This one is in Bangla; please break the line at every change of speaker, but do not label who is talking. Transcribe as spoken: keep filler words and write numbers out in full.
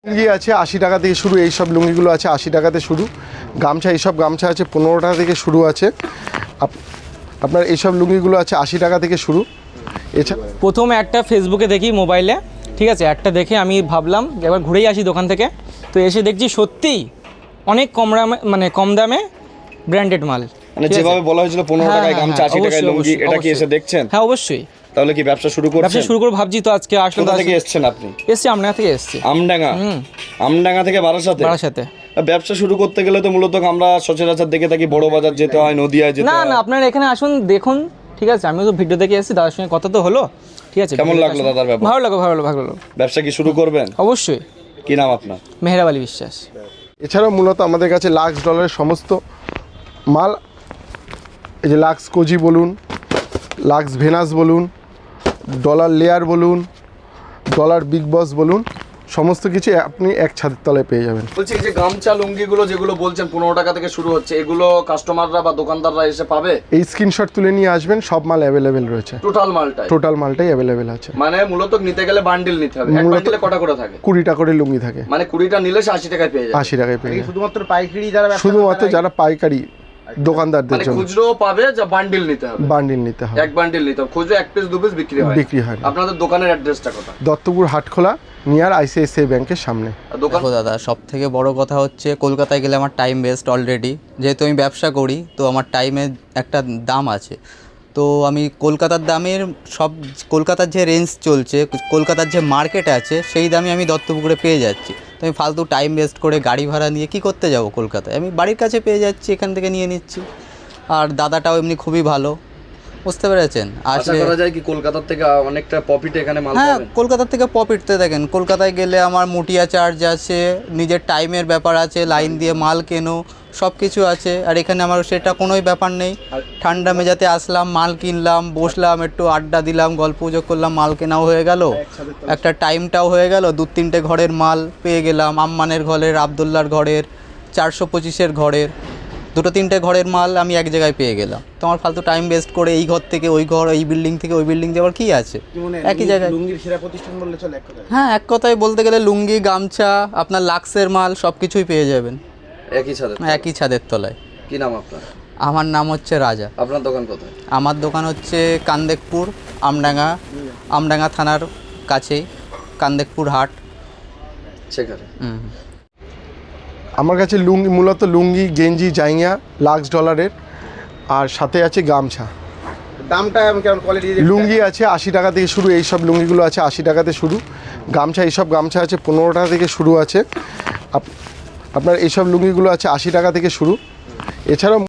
লুঙ্গি আছে আশি টাকা থেকে শুরু, এই সব লুঙ্গিগুলো আছে আশি টাকাতে শুরু। গামছা এইসব গামছা আছে পনেরো টাকা থেকে শুরু আছে। আপনার এইসব লুঙ্গিগুলো আছে আশি টাকা থেকে শুরু। এছাড়া
প্রথমে একটা ফেসবুকে দেখি মোবাইলে, ঠিক আছে, একটা দেখে আমি ভাবলাম একবার ঘুরেই আসি দোকান থেকে। তো এসে দেখছি সত্যিই অনেক কম দামে, মানে কম দামে ব্র্যান্ডেড মাল,
মানে যেভাবে বলা হয়েছিল পনেরো টাকায় গামছা আশি টাকায় লুঙ্গি, এটা কি এসে দেখছেন?
হ্যাঁ অবশ্যই।
তাহলে কি ব্যবসা শুরু করছেন?
ব্যবসা শুরু করে ভাবছি তো, আজকে আসলে
কোথা থেকে এসেছেন আপনি?
এসছি আমডাঙ্গা থেকে এসছি।
আমডাঙ্গা? আমডাঙ্গা থেকে বারাসাতে?
বারাসাতে।
ব্যবসা শুরু করতে গেলে তো মূলত আমরা সচরাচর দেখে থাকি বড় বাজার যেতে হয়, নদিয়ায় যেতে
না
হয়।
না, আপনারা এখানে আসুন, দেখুন, ঠিক আছে। আমিও তো ভিডিও দেখে এসেছি, দাদার সঙ্গে কথা তো হলো, ঠিক আছে।
কেমন লাগলো দাদার ব্যাপার?
ভালো লাগলো, ভালো লাগলো, ভালো লাগলো।
ব্যবসা কি শুরু করবেন?
অবশ্যই।
কি নাম আপনার?
মেহরাব আলী বিশ্বাস।
এছাড়াও মূলত আমাদের কাছে লাক্স ডলারের সমস্ত মাল, এই যে লাক্স কোজি বলুন, লাক্স ভেনাস বলুন, ডলার লেয়ার বলুন, ডলার বিগ বস বলুন, সমস্ত কিছু আপনি এক ছাদের তলায় পেয়ে যাবেন।
বলছি এই যে গামছা লুঙ্গিগুলো যেগুলো বলছেন পনেরো টাকা থেকে শুরু হচ্ছে, এগুলো কাস্টমাররা বা দোকানদাররা এসে পাবে?
এই স্ক্রিনশট তুলে নিয়ে আসবেন, সব মাল অ্যাভেলেবেল রয়েছে।
টোটাল মালটাই?
টোটাল মালটাই অ্যাভেলেবেল আছে।
মানে মূলত নিতে গেলে বান্ডিল নিতে হবে। এক বান্ডিলে কটা করে থাকে?
কুড়িটা করে লুঙ্গি থাকে।
মানে কুড়িটা নিলে সে আশি টাকায় পেয়ে যাবে?
আশি টাকায় পেয়ে যাবে।
শুধুমাত্র পাইকারি যারা
শুধুমাত্র যারা পাইকারি দোকানদারদের
মানে
জন্য।
খুচরো পাবে, যা বান্ডিল নিতে হবে?
বান্ডিল নিতে হবে।
এক বান্ডিল নিতে হবে। খুচরো এক পিস দু পিস বিক্রি হয়?
বিক্রি হয়।
আপনাদের দোকানের অ্যাড্রেসটা কোথায়?
দত্তপুর হাটখোলা, নিয়ার আইসিআইসিআই ব্যাংকের সামনে।
দোকান?
দেখো দাদা, সব থেকে বড় কথা হচ্ছে কলকাতায় গেলে আমার টাইম ওয়েস্ট অলরেডি। যেহেতু আমি ব্যবসা করি, তো আমার টাইমের একটা দাম আছে। তো আমি কলকাতার দামের সব, কলকাতার যে রেঞ্জ চলছে, কলকাতার যে মার্কেট আছে, সেই দামে আমি দত্তপুকুরে পেয়ে যাচ্ছি। তো আমি ফালতু টাইম ওয়েস্ট করে গাড়ি ভাড়া নিয়ে কি করতে যাব কলকাতায়? আমি বাড়ির কাছে পেয়ে যাচ্ছি, এখান থেকে নিয়ে নিচ্ছি। আর দাদাটাও এমনি খুবই ভালো, বুঝতে পেরেছেন।
আশা করা যায় কি কলকাতার থেকে অনেকটা প্রফিট এখানে মাল
হ্যাঁ,
পাবেন?
কলকাতার থেকে প্রফিট তো দেখেন, কলকাতায় গেলে আমার মুটিয়া চার্জ আছে, নিজের টাইমের ব্যাপার আছে, লাইন দিয়ে মাল কেনো, সব কিছু আছে। আর এখানে আমার সেটা কোনোই ব্যাপার নেই। ঠান্ডা মেজাতে আসলাম, মাল কিনলাম, বসলাম, একটু আড্ডা দিলাম, গল্প গুজব করলাম, মাল কেনাও হয়ে গেল, একটা টাইমটাও হয়ে গেল, দু তিনটে ঘরের মাল পেয়ে গেলাম। আম্মানের ঘরের, আবদুল্লার ঘরের, চারশো পঁচিশের ঘরের, দুটো তিনটে ঘরের মাল আমি এক জায়গায় পেয়ে গেলাম। তো আমার ফালতু টাইম ওয়েস্ট করে এই ঘর থেকে ওই ঘর, এই বিল্ডিং থেকে ওই বিল্ডিং যাওয়ার কী আছে? একই জায়গায়।
লুঙ্গির সেরা প্রতিষ্ঠান বললে চলে এক কথায়।
হ্যাঁ, এক কথায় বলতে গেলে লুঙ্গি, গামছা, আপনার লাক্সের মাল সব কিছুই পেয়ে যাবেন
একই ছাদে?
একই ছাদের তলায়।
কি নাম আপনার?
আমার নাম হচ্ছে রাজা।
আপনার দোকান কোথায়?
আমার দোকান হচ্ছে কান্দেকপুর, আমডাঙ্গা, আমডাঙ্গা থানার কাছেই, কান্দেকপুর হাট,
সেখানে।
হুম।
আমার কাছে লুঙ্গি, মূলত লুঙ্গি, গেঞ্জি, জাইঙা লাক্স ডলারের, আর সাথে আছে গামছা।
দামটা কেমন, কোয়ালিটি?
লুঙ্গি আছে আশি টাকা থেকে শুরু, এই সব লুঙ্গিগুলো আছে আশি টাকাতে শুরু। গামছা, এইসব গামছা আছে পনেরো টাকা থেকে শুরু আছে। আপনার এইসব লুঙ্গিগুলো আছে আশি টাকা থেকে শুরু। এছাড়াও